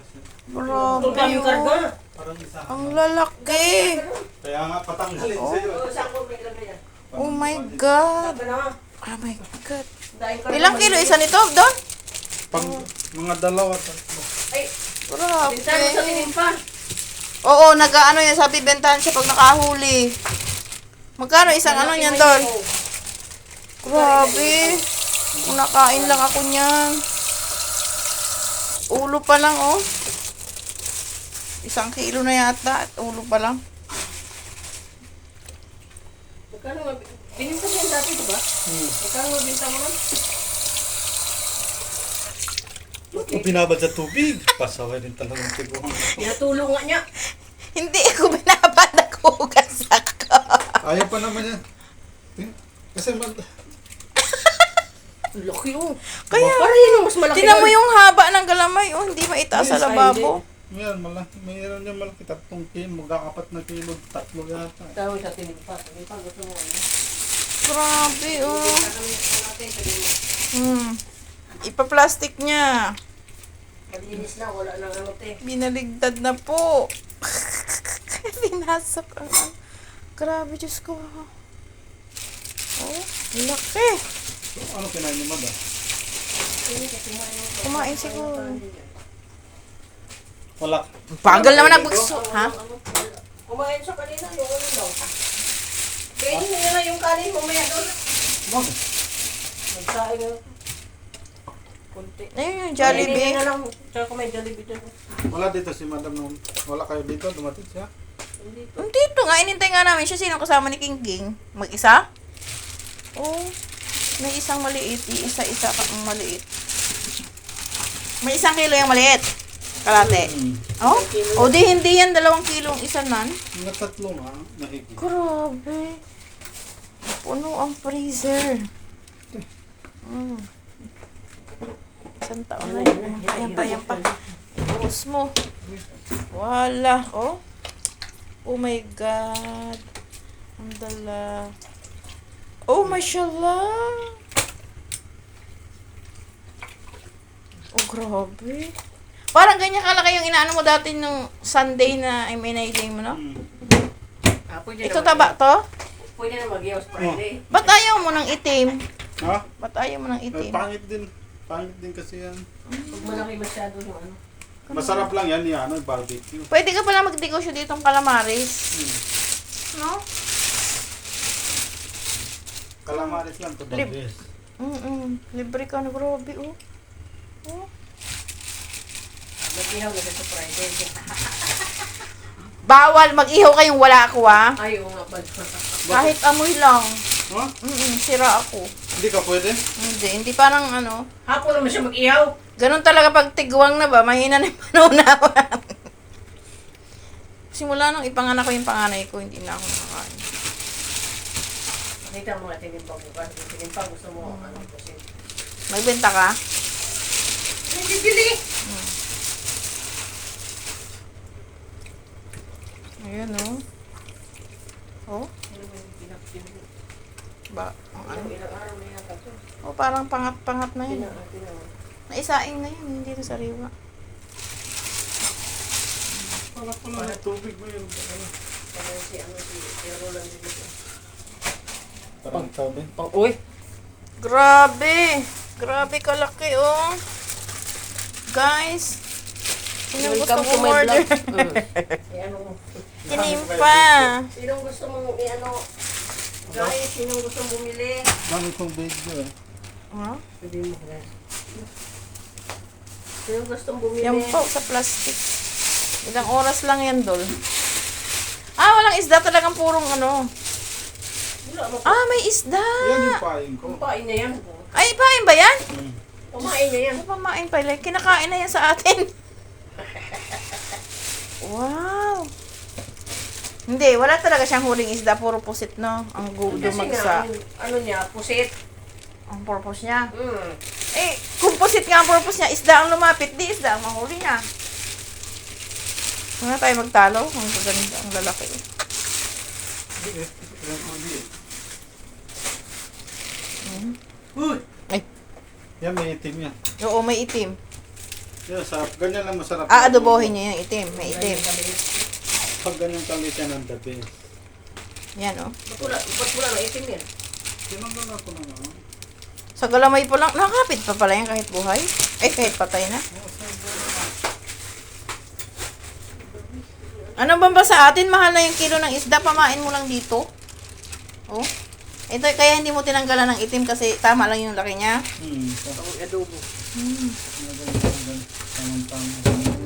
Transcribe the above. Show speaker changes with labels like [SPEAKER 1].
[SPEAKER 1] Grabe
[SPEAKER 2] Yung karga.
[SPEAKER 1] oh.
[SPEAKER 3] Parang isa.
[SPEAKER 1] Ang lalaki.
[SPEAKER 3] Kaya nga patanggalin sa'yo.
[SPEAKER 2] Saan ko may lagay yan?
[SPEAKER 1] Oh my God.
[SPEAKER 2] Laga na.
[SPEAKER 1] Oh my God.
[SPEAKER 2] Dahil karga.
[SPEAKER 1] Ilang kilo isa nito, Don?
[SPEAKER 3] Pag mga dalawa, tatlo.
[SPEAKER 2] Ay, bintahan mo sa
[SPEAKER 1] Grabe.
[SPEAKER 2] tinimpa.
[SPEAKER 1] Oo, nag-ano yan, sabi bentahan siya pag nakahuli. Magkano isang ano niyan, Don? Grabe. Kung nakain lang ako niyan. Ulo pa lang, oh. 1 kilo na yata at ulo pa lang.
[SPEAKER 2] Magkano nga? Binimpa siya dati, diba? Magkano nga binta mo nun?
[SPEAKER 3] Kung binabad sa tubig, pasaway din talagang tiguan.
[SPEAKER 2] Pinatulong nga niya.
[SPEAKER 1] Hindi ako binabad, naghugas ako.
[SPEAKER 3] Ayaw pa naman yan. Kasi
[SPEAKER 2] Ang laki oh.
[SPEAKER 1] Kaya,
[SPEAKER 2] Para yun ang mas malaki.
[SPEAKER 1] tinan mo
[SPEAKER 2] yun.
[SPEAKER 1] yung haba ng galamay, oh, hindi maitaas sa
[SPEAKER 2] Yes,
[SPEAKER 1] lababo.
[SPEAKER 3] yan, malaki. Mayroon yan malaki. 3 kilo, magkakapat na kilo. 3 yata.
[SPEAKER 2] Tawag sa tinimpa. Tinimpa, gusto mo ano?
[SPEAKER 1] Grabe, oh.
[SPEAKER 2] Gagawin ko natin, sabi mo.
[SPEAKER 1] Ipa-plastic niya.
[SPEAKER 2] Malinis na, wala nang ano te.
[SPEAKER 1] Binaligtad na po. Pinasok ang grabe, Diyos ko. Oh, laki.
[SPEAKER 3] So, ano kinain ni Mada?
[SPEAKER 1] Kumain siguro.
[SPEAKER 3] Wala.
[SPEAKER 1] Bagal naman nagbagso. Ha?
[SPEAKER 2] Kumain siya kanina, yung ano daw. Kainin mo na yung kanin, mamaya doon.
[SPEAKER 3] Bakit?
[SPEAKER 2] Nagsain na. Kunti.
[SPEAKER 1] Ayun yung
[SPEAKER 2] Kainin
[SPEAKER 1] Jollibee.
[SPEAKER 2] na lang. Tsaka kung may Jollibee doon.
[SPEAKER 3] Wala dito si Madam noon. Wala kayo dito, dumating siya.
[SPEAKER 2] Hindi.
[SPEAKER 1] Dito nga, inintay nga namin siya. Sino kasama ni King King? Mag-isa? Oh, may isang maliit. Isa-isa ka ang maliit. May 1 kilo yung maliit. Kalate. Oh? O di hindi yan 2 kilo ang isa nan.
[SPEAKER 3] Mga 3 nga, nahigit.
[SPEAKER 1] Grabe. Puno ang freezer. Isang taon na yun. Ayan pa. Buhos mo. Wala. Oh. Oh my God. Ang dala. Oh, mashallah. Oh, grabe. Parang ganyan kalaki yung inaano mo dati nung Sunday na may mo, no?
[SPEAKER 2] Pwede
[SPEAKER 1] Ito
[SPEAKER 2] na
[SPEAKER 1] taba to?
[SPEAKER 2] Pwede na mag-iwas Friday.
[SPEAKER 1] Ba't ayaw mo ng itim?
[SPEAKER 3] Ha?
[SPEAKER 1] Ba't ayaw mo ng itim?
[SPEAKER 3] Pangit din. Pangit din kasi yan.
[SPEAKER 2] Pag malaki masyado yung ano.
[SPEAKER 3] Masarap lang yan, yung ano, barbecue.
[SPEAKER 1] Pwede ka pala mag-negosyo ditong calamaris. No?
[SPEAKER 3] Calamares lang to,
[SPEAKER 1] Lip.
[SPEAKER 3] Bagres.
[SPEAKER 1] Libre ka na, grabe, oh. Oh.
[SPEAKER 2] Mag-ihaw na sa Friday.
[SPEAKER 1] Bawal mag-ihaw kayong wala ako, ah.
[SPEAKER 2] Ay, oo nga pala.
[SPEAKER 1] Kahit amoy lang.
[SPEAKER 3] Ha?
[SPEAKER 1] Sira ako.
[SPEAKER 3] Hindi ka pwede?
[SPEAKER 1] Hindi parang ano.
[SPEAKER 2] Hapon naman siya mag-ihaw.
[SPEAKER 1] Ganun talaga pag tigwang na ba, mahina na yung panunawan. Simula nung ipanganak ko yung panganay ko, hindi na ako nakakain.
[SPEAKER 2] Nakita mo nga tinimpa bukas. Tinimpa gusto mo ano kasi.
[SPEAKER 1] Magbenta ka?
[SPEAKER 2] May bibili!
[SPEAKER 1] Ayan, oh. Oh,
[SPEAKER 2] Ano ba yung pinakbili?
[SPEAKER 1] ba? Ano?
[SPEAKER 2] Ilang araw na yata to.
[SPEAKER 1] Oh, parang pangat-pangat na yun.
[SPEAKER 2] Tinawag.
[SPEAKER 1] Naisaing na yun, hindi na sariwa.
[SPEAKER 3] Wala pala na tubig mo yun.
[SPEAKER 2] Parang si ano si Roland dito.
[SPEAKER 3] Parang sabi.
[SPEAKER 2] Uy!
[SPEAKER 1] Grabe! Grabe kalaki, oh. Guys, sinong gusto
[SPEAKER 2] Welcome to
[SPEAKER 1] mong
[SPEAKER 2] my
[SPEAKER 1] order?
[SPEAKER 2] vlog. Ano mo?
[SPEAKER 1] Tinimpa.
[SPEAKER 2] Sinong gusto mong i-ano? Guys, sinong gusto mong bumili?
[SPEAKER 3] Dami kong video eh.
[SPEAKER 1] Huh?
[SPEAKER 2] Sabi mo guys. Sinong gusto mong bumili?
[SPEAKER 1] Yan po, sa plastic. Ilang oras lang yan, Dol. Ah, walang isda talagang purong ano.
[SPEAKER 2] Wala mo.
[SPEAKER 1] Ah, may isda.
[SPEAKER 3] Yan yung paing ko.
[SPEAKER 2] Kumain na yan.
[SPEAKER 1] Ay, pain ba yan?
[SPEAKER 2] Kumain na yan.
[SPEAKER 1] Ano pamain pa? Like, kinakain na yan sa atin. Wow. Hindi, wala talaga siyang huling isda. Puro pusit, no? Ang
[SPEAKER 2] Kasi
[SPEAKER 1] dumagsa.
[SPEAKER 2] nga, ano niya, pusit.
[SPEAKER 1] Ang purpose niya.
[SPEAKER 2] Mm.
[SPEAKER 1] Eh, kung pusit nga ang purpose niya, isda ang lumapit, di isda ang mahuli niya. Huwag na tayo magtalo. Ang gaganda, ang lalaki.
[SPEAKER 2] Uy!
[SPEAKER 1] Ay,
[SPEAKER 3] Yan may itim yan.
[SPEAKER 1] oo, may itim.
[SPEAKER 3] Yan, sarap. Ganyan lang masarap.
[SPEAKER 1] Aadobohin niyo yung itim. May itim.
[SPEAKER 3] Pag ganyan kalit yan ang the best.
[SPEAKER 1] Yan, oh.
[SPEAKER 2] Ba't wala na itim yan?
[SPEAKER 3] Tinanggal ako na nga.
[SPEAKER 1] Sa galamay po lang. Nakakapit pa pala yan kahit buhay. Kahit patay na. Ano ba sa atin? Mahal na yung kilo ng isda. Pamain mo lang dito. Oh. Ito, kaya hindi mo tinanggalan ng itim kasi tama lang yung laki niya.
[SPEAKER 3] Sa
[SPEAKER 2] Adobo.
[SPEAKER 3] tamang-tama.